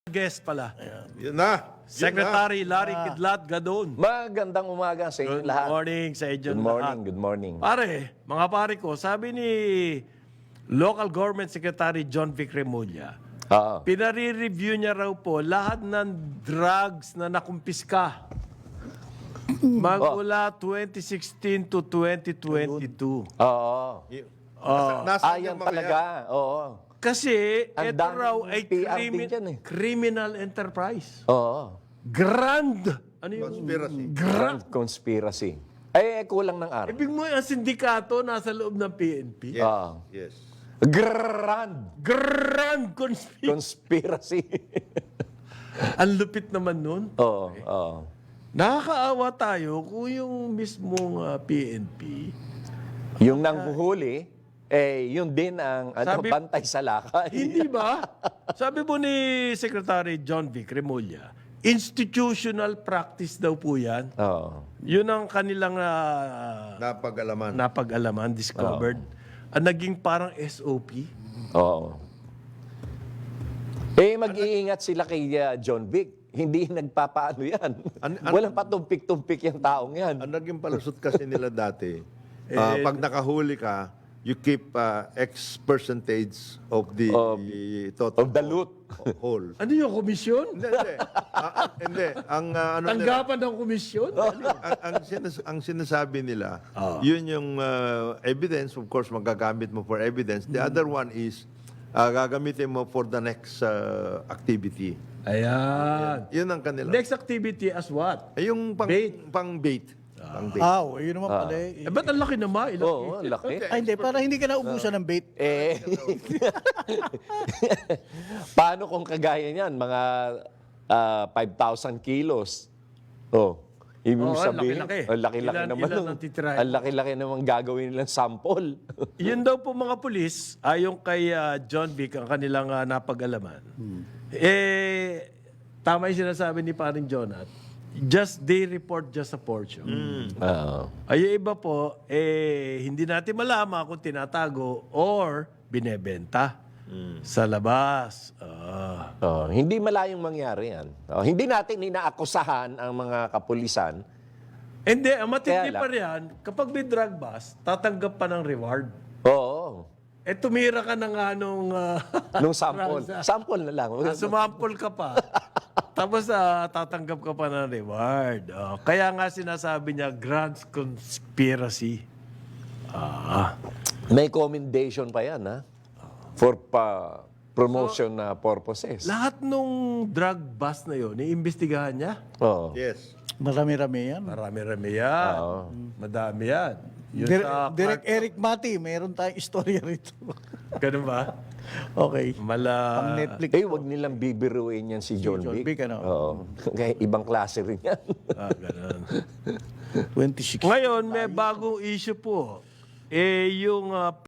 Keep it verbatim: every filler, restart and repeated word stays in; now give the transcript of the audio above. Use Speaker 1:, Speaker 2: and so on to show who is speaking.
Speaker 1: guest pala.
Speaker 2: Yun na. Yun
Speaker 1: Secretary Larry Kidlat Gadon.
Speaker 3: Magandang umaga sa inyo
Speaker 1: Good
Speaker 3: lahat.
Speaker 1: morning sa inyo
Speaker 3: Good morning,
Speaker 1: lahat.
Speaker 3: good morning.
Speaker 1: Pare, mga pare ko, sabi ni Local Government Secretary John Vic Remulla,
Speaker 3: Oo.
Speaker 1: pinare-review niya raw po lahat ng drugs na nakumpiska magmula twenty sixteen to twenty twenty-two.
Speaker 3: Oo.
Speaker 2: na. Nasa, nasa
Speaker 3: Ayan
Speaker 2: yung mga
Speaker 3: talaga. Oo.
Speaker 1: Kasi
Speaker 3: Ang
Speaker 1: ito
Speaker 3: daming
Speaker 1: raw ay
Speaker 3: P R
Speaker 1: crimi-
Speaker 3: din dyan eh.
Speaker 1: criminal enterprise.
Speaker 3: Oo.
Speaker 1: Grand. Ano yung
Speaker 2: conspiracy.
Speaker 3: Grand conspiracy. Eh, kulang ng araw.
Speaker 1: Ibig mo ang sindikato nasa loob ng P N P?
Speaker 2: Yes.
Speaker 3: Oo.
Speaker 2: Yes.
Speaker 3: Grand
Speaker 1: Grand conspiracy.
Speaker 3: conspiracy.
Speaker 1: Ang lupit naman nun.
Speaker 3: Oo. Oo.
Speaker 1: Nakakaawa tayo kung yung mismong ah, P N P.
Speaker 3: Yung nanghuhuli, eh, yun din ang ano,
Speaker 1: Sabi-
Speaker 3: bantay sa lakay.
Speaker 1: Hindi ba? Sabi po ni Secretary John Vic Remulla, institutional practice daw po yan.
Speaker 3: Oo.
Speaker 1: Yun ang kanilang ah,
Speaker 2: Napag-alaman.
Speaker 1: napag-alaman, discovered. Ang naging parang S O P.
Speaker 3: Oo. Eh, mag-iingat sila kay uh, John Vic. Hindi nagpapaano yan.
Speaker 2: An- an-
Speaker 3: Walang patumpik-tumpik yung taong yan.
Speaker 2: Ang naging palusot kasi nila dati, ah, pag nakahuli ka, you keep ah, X percentage of the total
Speaker 3: of the loot.
Speaker 2: whole.
Speaker 1: Ano yung komisyon?
Speaker 2: Hindi, hindi. Ah, ah, hindi. Ang ah, ano nila,
Speaker 1: Tanggapan ng komisyon?
Speaker 2: ang, ang, sinas- ang sinasabi nila, yun yung ah, evidence, of course, magagamit mo for evidence. The other one is, ah, gagamitin mo for the next ah, activity.
Speaker 1: Ayan.
Speaker 2: Yun ang kanila.
Speaker 1: Next activity as what?
Speaker 2: Ay, yung pang
Speaker 1: Bait.
Speaker 2: Pang bait. Pang bait.
Speaker 4: Ah, oh, yun naman pala eh.
Speaker 1: Eh, ba't ang laki naman? Ilang
Speaker 3: Oo, ang laki.
Speaker 4: Ay, hindi, para hindi ka naubusan ng bait.
Speaker 3: Eh, paano kung kagaya niyan, mga ah, five thousand kilos? Oh, ibig
Speaker 1: Oo, ang
Speaker 3: sabihin,
Speaker 1: laki-laki.
Speaker 3: ang laki-laki
Speaker 1: Ilan-
Speaker 3: naman.
Speaker 1: ilan
Speaker 3: nung-
Speaker 1: ang titirahin
Speaker 3: Ang laki-laki naman gagawin nilang sample.
Speaker 1: Yun daw po mga pulis, ayon kay ah, John Vic, ang kanilang ah, napag-alaman. Eh, tama yung sinasabi ni paring Jonat, just they report just a portion.
Speaker 3: Oo.
Speaker 1: Ay, yung iba po, eh, hindi natin malaman kung tinatago or binebenta sa labas. Ah.
Speaker 3: Oh, hindi malayong mangyari yan. Oh, hindi natin inaakusahan ang mga kapulisan.
Speaker 1: Hindi, ang matindi
Speaker 3: Kaya lang-
Speaker 1: pa riyan, kapag may drug bust, tatanggap pa ng reward.
Speaker 3: Oo.
Speaker 1: Eh, tumira ka na nga nung... ah,
Speaker 3: Nung sample. Sample na lang.
Speaker 1: Ah, sumampol ka pa. Tapos ah, tatanggap ka pa ng reward. Oh, kaya nga sinasabi niya, grand conspiracy. Ah.
Speaker 3: May commendation pa yan, ha? For pa promotion na purposes.
Speaker 1: Lahat nung drug bust na yun, iimbestigahan niya.
Speaker 3: Oo.
Speaker 2: Yes.
Speaker 4: Marami-rami yan.
Speaker 1: Marami-rami yan.
Speaker 3: Oo.
Speaker 1: Madami yan. Yun
Speaker 4: Dir-
Speaker 1: sa
Speaker 4: Direk
Speaker 1: Clark-
Speaker 4: Eric Mati, mayroon tayong istorya rito.
Speaker 1: Ganun ba?
Speaker 4: Okay.
Speaker 1: Mala...
Speaker 4: Pang Netflix.
Speaker 3: Eh, wag nilang bibiruin yan si John,
Speaker 4: John
Speaker 3: Vic.
Speaker 4: Vic, ano?
Speaker 3: Oo. Kaya ibang klase rin yan.
Speaker 1: Ah, ganun.
Speaker 4: twenty-six.
Speaker 1: Ngayon, may bagong issue po. Eh, yung ah,